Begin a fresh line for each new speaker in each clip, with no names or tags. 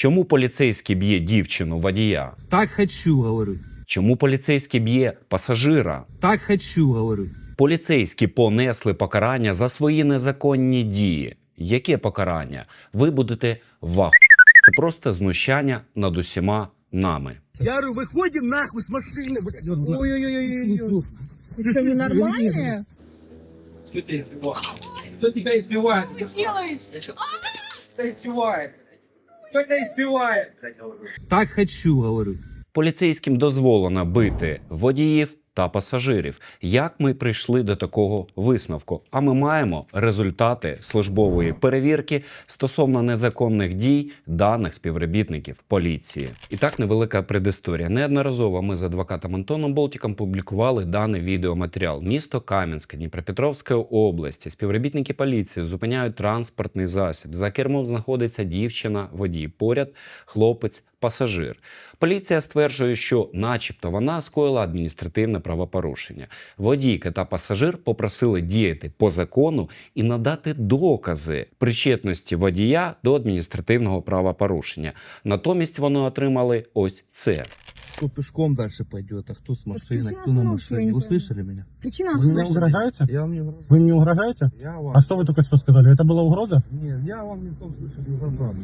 Чому поліцейський б'є дівчину водія?
Так хочу, говорю.
Чому поліцейський б'є пасажира?
Так хочу, говорю.
Поліцейські понесли покарання за свої незаконні дії. Яке покарання? Ви будете в ахуї. Це просто знущання над усіма нами.
Я говорю, выходим нахуй с машины, блядь.
Ой-ой-ой. Вы что, ненормальные?
Кто тебя избивает? Кто тебя избивает?
Что вы делаете?
Кто избивает? Кто тебя избивает? Так хочу, говорю.
Поліцейським дозволено бити водіїв та пасажирів. Як ми прийшли до такого висновку? А ми маємо результати службової перевірки стосовно незаконних дій даних співробітників поліції. І так, невелика предісторія. Неодноразово ми з адвокатом Антоном Болтіком публікували даний відеоматеріал. Місто Кам'янське, Дніпропетровської області. Співробітники поліції зупиняють транспортний засіб. За кермом знаходиться дівчина-водій. Поряд хлопець пасажир. Поліція стверджує, що начебто вона скоїла адміністративне правопорушення. Водійка та пасажир попросили діяти по закону і надати докази причетності водія до адміністративного правопорушення. Натомість вони отримали ось це.
Кто пешком дальше пойдет, а кто с машиной,
причина
кто на
остановки, я
машине.
не
Вы
понимаю.
слышали меня?
Причина
Вы мне
остановки.
угрожаете?
Я вам не угрожаю.
Вы мне угрожаете?
Я вам...
А что вы только что сказали? Это была угроза?
Нет, я вам не в том случае не угрожаю.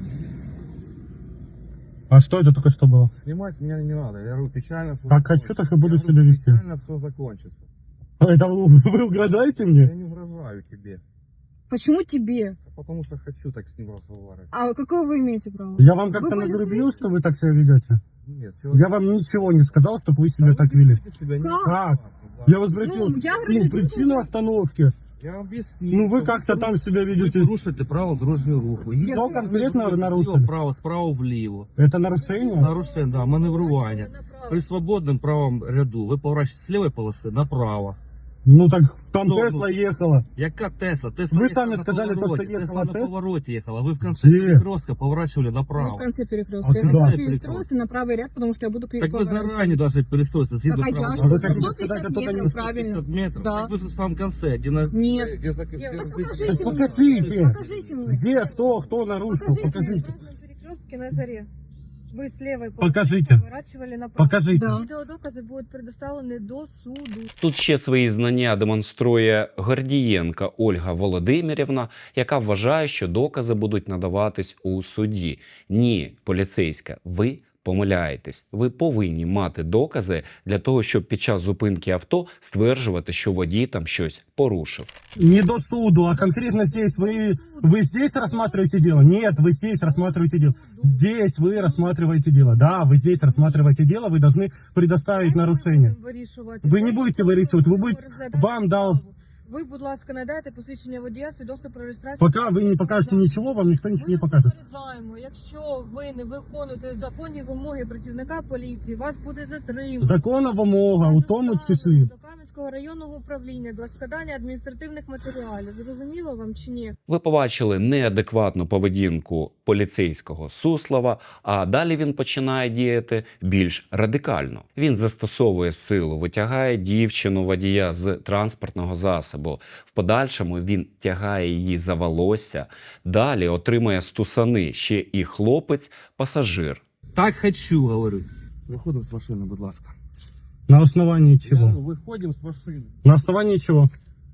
А что это только что было?
Снимать меня не надо. Я говорю, печально все
Как хочу, так и буду себя вести.
Печально все закончится.
Это вы угрожаете
Я
мне?
не угрожаю тебе.
Почему тебе?
Потому что хочу так с ним разговаривать.
А какое вы имеете право?
Я вам как-то
Вы
нагрубил,
полицейский?
что вы так себя ведете?
Нет,
Я вам ничего не сказал, чтобы вы себя так вели. Как? Я вас спросил,
Ну, я гражданин
причину
Украины.
остановки.
Я вам объясню.
Ну вы
что
как-то там себя
Вы
ведете.
порушите право дорожнього руху.
Я
Что конкретно вы нарушили?
Право справа вліво.
Это нарушение?
Нарушення, да, маневрування. При свободному правому ряду ви поворачуєте з лівої полоси направо.
Ну так там
Ну,
Тесла ехала.
Яка Тесла? Тесла
Ви
їхала
самі
на
сказали,
повороті.
то, що їхала
Тесла на
Тесла?
повороті їхала. Ви в кінці
Де?
перекрестка поворачивали
Мы в
направо.
конце перекрестка.
А
Я
куда?
хочу перестроиться на правый ряд, потому что я буду
Так ви
поворачивать.
зарані должны перестроиться. Згідно
Так, а я
правил.
что?
вы хотите
150
сказать, это
метров,
не
правильно.
50 метров.
Да.
Так ви в самому конце. Где на...
Нет.
Где за...
Так
Так
покажите мне.
покажите.
Покажите мне.
Где, кто нарушил?
Покажите мне.
Покажите.
На перекрестке на заре. Вы с левой
Покажите.
поворачивали направо.
Покажите.
Да.
Відеодокази будуть предоставлені до суду.
Тут ще свої знання демонструє Гордієнка Ольга Володимирівна, яка вважає, що докази будуть надаватись у суді. Ні, поліцейська, ви помиляєтесь. Ви повинні мати докази для того, щоб під час зупинки авто стверджувати, що водій там щось порушив.
Не до суду, а конкретно здесь. Вы здесь рассматриваете дело? Нет, вы здесь рассматриваете дело. Здесь вы рассматриваете дело. Да, вы здесь рассматриваете дело, вы должны предоставить нарушение. Ви не будете вирішувати, ви будете- вам дав-
Ви, будь ласка, надайте посвідчення водія, свідоцтво про реєстрацію.
Пока вы не покажете ничего, вам никто ничего не покажет.
Попереджаємо, якщо ви не виконуєте законні вимоги працівника поліції, вас буде затримано.
Законна вимога у тому числі.
До Кам'янського районного управління для складання адміністративних матеріалів. Зрозуміло вам чи ні?
Ви побачили неадекватну поведінку поліцейського Суслова, а далі він починає діяти більш радикально. Він застосовує силу, витягає дівчину водія з транспортного засобу. В подальшому він тягає її за волосся. Далі отримує стусани ще і хлопець-пасажир.
Так хочу, говорю. Виходимо з машини, будь ласка.
На основании
Я
чего?
говорю, виходимо з машини.
На основании чего?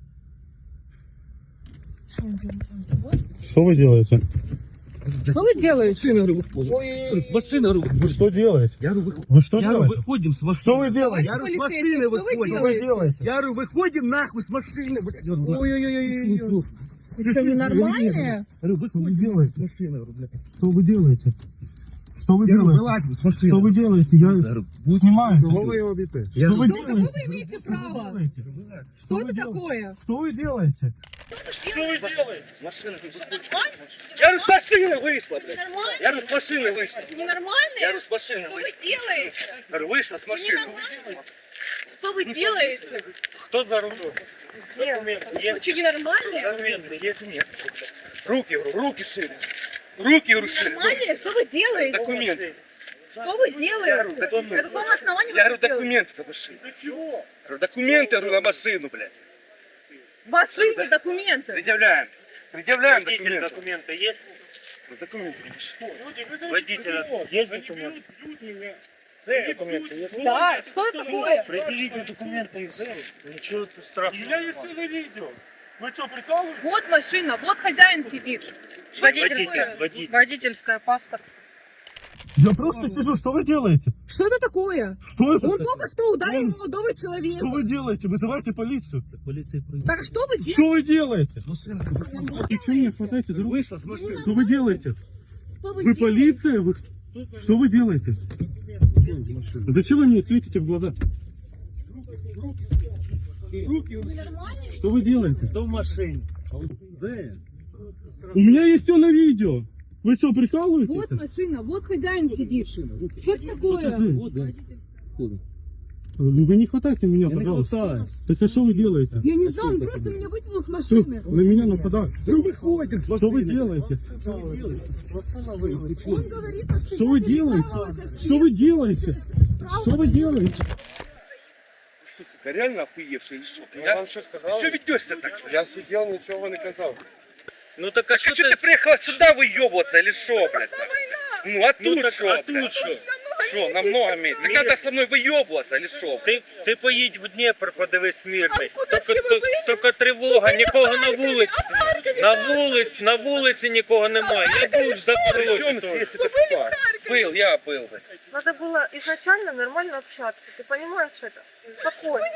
Что вы делаете?
Что вы делаете?
Машина, говорю, виходимо.
Ой,
З машини, говорю,
Вы что делаете?
Я говорю, виходимо.
Вы что
Я говорю,
делаете?
выходим с машины.
Что вы делаете?
Я говорю, с
Полицейский,
машины
что вы
выходим.
Что вы делаете?
Я говорю, выходим нахуй с машины, блядь. Я говорю,
Ой-ой-ой. Вы что, ненормальные?
говорю, выходим
делаете?
с машины, говорю, блядь.
Что вы делаете? Что вы
Я говорю,
делаете?
вылазь с машины.
Что вы делаете? Я
говорю,
снимаю.
Кого вы его бите?
Что вы
Что, какое
делаете?
вы имеете право?
делаете?
Что
вы
это
делаете?
такое?
Что вы делаете?
Что вы делаете? С машины Я говорю, с машины вышла, блядь.
Нормально?
Я говорю, с машины вышла. Я
Ненормальные?
говорю, с машины
Что вы
вышла.
делаете?
Я говорю, вышла с машины.
Что вы делаете?
Кто за рулем? Документы
Вы
есть?
что, ненормальные?
Документы есть? Нет. Руки, говорю, руки шире. Руки, говорю, шире.
Ненормальные? Что вы делаете?
Документы.
Что вы делаете?
документы.
На каком основании вы
Я
это
говорю,
делаете?
документы на машину. Говорю, документы, говорю, на машину, блядь.
Ваши документы.
Предъявляем. Предъявляем
Водитель
документы.
документы есть? Документы. Водителя есть документы? Документы есть?
Да, что это такое?
Предъявите документы и все. Ничего тут страшного.
Вот машина, вот хозяин сидит.
Водитель.
Водительская, паспорт.
Я просто сижу, что вы делаете?
Что это такое?
Что это?
Он только что ударил молодого
Что
человека.
вы делаете? Вызывайте полицию.
Так что вы делаете?
Что вы делаете? И что мне хватаете за руку? Что вы делаете?
Что
Вы
делаете?
полиция? Вы... Что вы делаете? Зачем вы мне светите в глаза? Что вы делаете?
Кто в машине?
У меня есть все на видео. Вы что,
Вот
прикалываетесь?
машина, вот хозяин сидит. Что это такое?
Вы не хватайте меня, пожалуйста. Так а что вы делаете?
Я не знаю, он просто меня вытянул с
Что?
машины.
На меня нападают. Что вы делаете?
Он говорит, что
Что вы делаете? Что вы делаете? Что вы делаете?
Что, сука, реально охуевший или что?
Я вам что сказал?
Что ведешься так?
Я сидел, ничего не казал.
Ну так а что ты приехала сюда выебываться или что, блядь? Ну а тут что?
А тут что?
Что, намного меньше? Так надо со мной выебываться или що?
Ти поїдь в Дніпр, подивись мирний. Тільки тривога, нікого на вулиці. На вулиці нікого немає. Я був в Запорожжі.
Причем
теж.
здесь это спать? Был, я был.
Надо было изначально нормально общаться. Ты понимаешь это? Спокойно.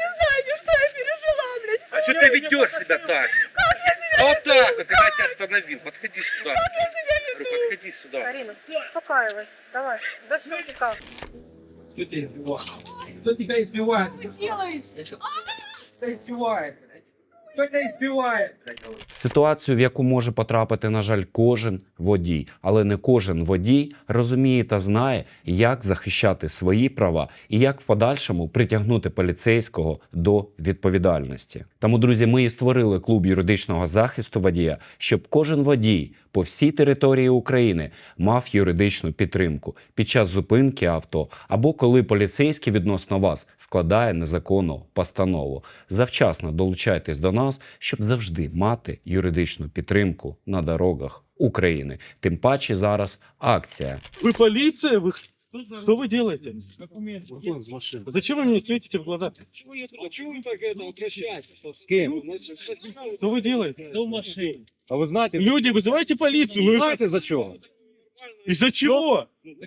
А что ты ведешь себя так? А вот так вот, когда я тебя остановил. Подходи сюда. Говорю, подходи сюда.
Карина, успокаивайся. Давай, до щелчка.
Кто тебя избивает? Кто тебя избивает?
вы делаете?
Кто тебя избивает? Кто тебя избивает?
Ситуацію, в яку може потрапити, на жаль, кожен водій. Але не кожен водій розуміє та знає, як захищати свої права і як в подальшому притягнути поліцейського до відповідальності. Тому, друзі, ми і створили клуб юридичного захисту водія, щоб кожен водій по всій території України мав юридичну підтримку під час зупинки авто або коли поліцейський відносно вас складає незаконну постанову. Завчасно долучайтесь до нас, щоб завжди мати юридичну підтримку на дорогах України. Тим паче зараз акція.
Вы полиция? Вы... Что вы делаете? Зачем вы мне светите в глаза?
Почему вы так это обращаетесь?
З ким?
Что вы делаете?
Хто в машині?
А вы знаете,
Люди, вызывайте полицию. Ну,
знаете за чего?
из-за чего?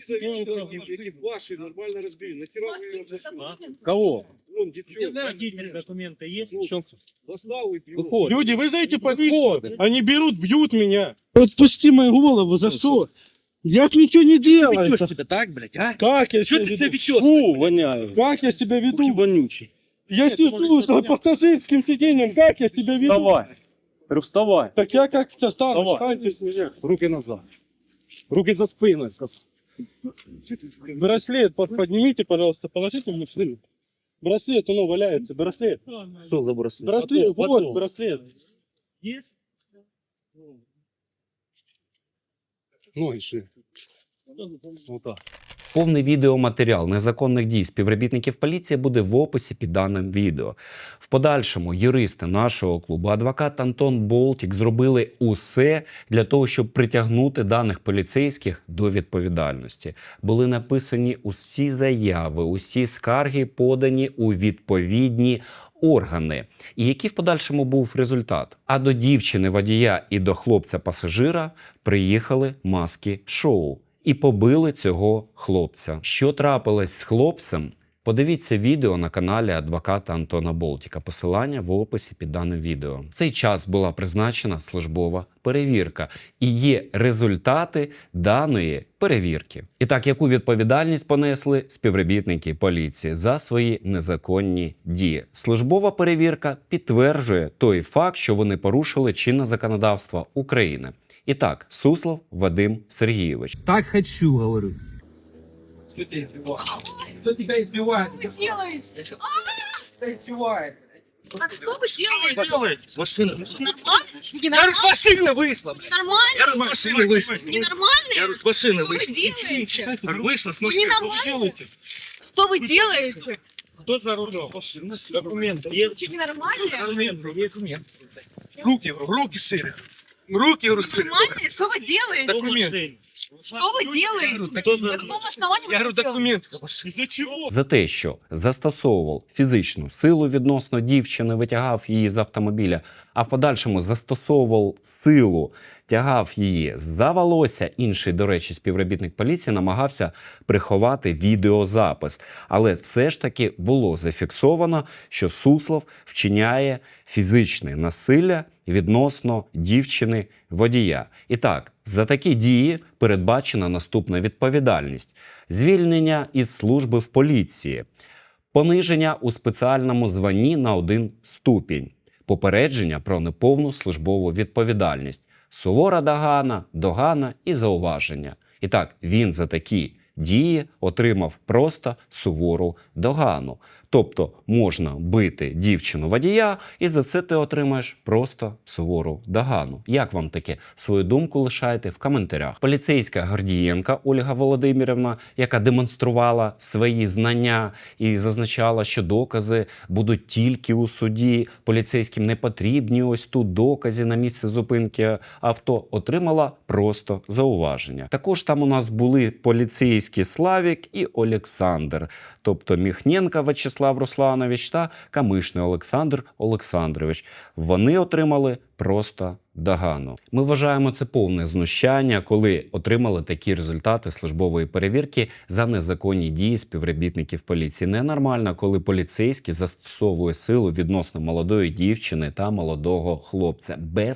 Ваши нормально разбили. Нахера вы его зашли?
Кого?
Вон, девчонка.
Водитель документи є?
Достал и бил.
Виходь.
Люди, вызовите полицию. Они берут, бьют меня. Отпусти мою голову, за что? Я ж ничего не делаю.
Ведешь себя так, блядь, а?
Как я
Что
себя
ты себя
веду?
ведешь?
Фу, воняю.
Как я себя веду?
Вонючий.
Я сижу за пассажирским сиденьем. Как я себя веду?
Вставай. Говорю, вставай.
Так я как-то стану.
Давай.
Встаньте с меня.
Руки назад. Руки за спину.
Браслет поднимите, пожалуйста, положите мне в шею. Браслет, оно валяется. Браслет.
Что за браслет?
Браслет, вот
Потом.
браслет.
Есть?
Ноги шире.
Вот так.
Повний відеоматеріал незаконних дій співробітників поліції буде в описі під даним відео. В подальшому юристи нашого клубу, адвокат Антон Болтік, зробили усе для того, щоб притягнути даних поліцейських до відповідальності. Були написані усі заяви, усі скарги подані у відповідні органи. І який в подальшому був результат? А до дівчини-водія і до хлопця-пасажира приїхали маски-шоу. І побили цього хлопця. Що трапилось з хлопцем? Подивіться відео на каналі адвоката Антона Болтіка. Посилання в описі під даним відео. В цей час була призначена службова перевірка. І є результати даної перевірки. І так, яку відповідальність понесли співробітники поліції за свої незаконні дії? Службова перевірка підтверджує той факт, що вони порушили чинне законодавство України. І так, Суслов Вадим Сергійович.
Так хочу, говорю.
Кто тебя избивает? Кто тебя избивает?
Что вы делаете?
Кто тебя избивает?
Так что вы делаете?
С машины.
Нормально?
Я говорю, с машины вышла. Я
Нормально?
говорю, с машины вышла. Я
Ненормально?
говорю, с машины
Что вы
вышла.
делаете?
Я говорю, вышла с
Вы
машины.
ненормально? Что вы делаете?
Кто за рулем? Документы есть?
Что ненормально?
Документы, документы. Руки, говорю, руки шире.
Руки, говорю,
Понимаете, что вы делаете?
документ.
Что вы делаете?
Кто за...
На каком основании вы
Я говорю,
это делаете?
документ. Из-за чего?
За те, що застосовував фізичну силу відносно дівчини, витягав її з автомобіля, а в подальшому застосовував силу, тягав її за волосся. Інший, до речі, співробітник поліції намагався приховати відеозапис. Але все ж таки було зафіксовано, що Суслов вчиняє фізичне насилля відносно дівчини водія. І так, за такі дії передбачена наступна відповідальність: звільнення із служби в поліції, пониження у спеціальному званні на 1 ступінь, попередження про неповну службову відповідальність, сувора догана і зауваження. І так, він за такі дії отримав просто сувору догану. Тобто можна бити дівчину водія, і за це ти отримаєш просто сувору догану. Як вам таке? Свою думку лишайте в коментарях. Поліцейська Гордієнка Ольга Володимирівна, яка демонструвала свої знання і зазначала, що докази будуть тільки у суді, поліцейським не потрібні ось тут докази на місці зупинки авто, отримала просто зауваження. Також там у нас були поліцейські Славік і Олександр, тобто Міхненко Вячеслав Русланович та Камишний Олександр Олександрович. Вони отримали просто догану. Ми вважаємо це повне знущання, коли отримали такі результати службової перевірки за незаконні дії співробітників поліції. Ненормально, коли поліцейський застосовує силу відносно молодої дівчини та молодого хлопця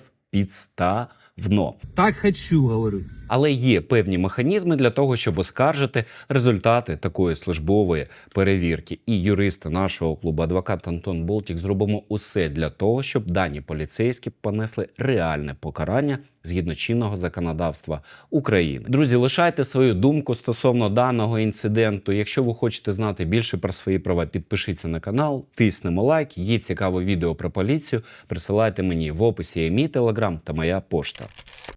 безпідставно.
Так хочу, говорю.
Але є певні механізми для того, щоб оскаржити результати такої службової перевірки. І юристи нашого клубу «Адвокат Антон Болтік» зробимо усе для того, щоб дані поліцейські понесли реальне покарання згідно чинного законодавства України. Друзі, лишайте свою думку стосовно даного інциденту. Якщо ви хочете знати більше про свої права, підпишіться на канал, тиснемо лайк. Є цікаве відео про поліцію, присилайте мені в описі є мій телеграм та моя пошта.